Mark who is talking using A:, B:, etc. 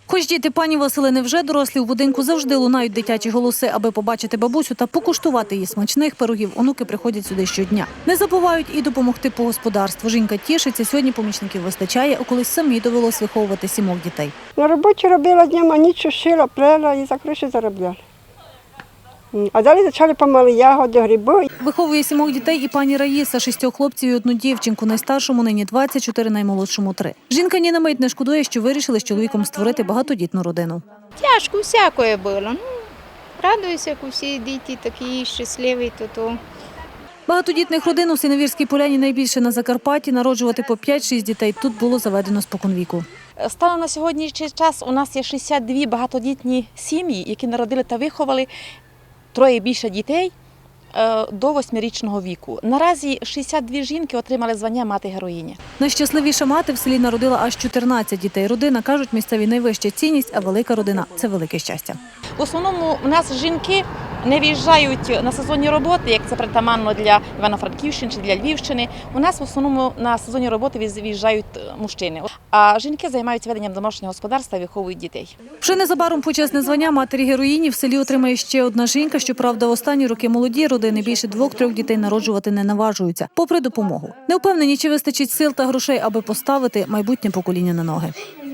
A: Хоч діти пані Василини вже дорослі, у будинку завжди лунають дитячі голоси. Аби побачити бабусю та покуштувати її смачних пирогів, онуки приходять сюди щодня. Не забувають і допомогти по господарству. Жінка тішиться, сьогодні помічників вистачає, а колись самі довелось виховувати 7 дітей.
B: На роботі робила днем, а ніч шила, плела і за гроші заробляла. А далі почали помали ягоди, гриби.
A: Виховує 7 дітей і пані Раїса, 6 хлопців і 1 дівчинку. Найстаршому нині 24, наймолодшому 3. Жінка ні на мить не шкодує, що вирішили з чоловіком створити багатодітну родину.
C: Тяжко всякое було. Радуюся, як усі діти такі щасливі, то.
A: Багатодітних родин у Синевірській Поляні найбільше на Закарпатті. Народжувати по 5-6 дітей тут було заведено споконвіку.
D: Станом на сьогоднішній час у нас є 62 багатодітні сім'ї, які народили та виховали 3 і більше дітей до 8-річного віку. Наразі 62 жінки отримали звання мати-героїні.
A: Найщасливіша мати в селі народила аж 14 дітей. Родина, кажуть, місцеві найвища цінність, а велика родина – це велике щастя.
D: В основному у нас жінки не виїжджають на сезонні роботи, як це притаманно для Івано-Франківщини чи для Львівщини. У нас в основному на сезонні роботи виїжджають мужчини. А жінки займаються веденням домашнього господарства і виховують дітей.
A: Вже незабаром почесне звання матері-героїні в селі отримає ще одна жінка. Щоправда, в останні роки молоді родини більше 2-3 дітей народжувати не наважуються, попри допомогу. Не впевнені, чи вистачить сил та грошей, аби поставити майбутнє покоління на ноги.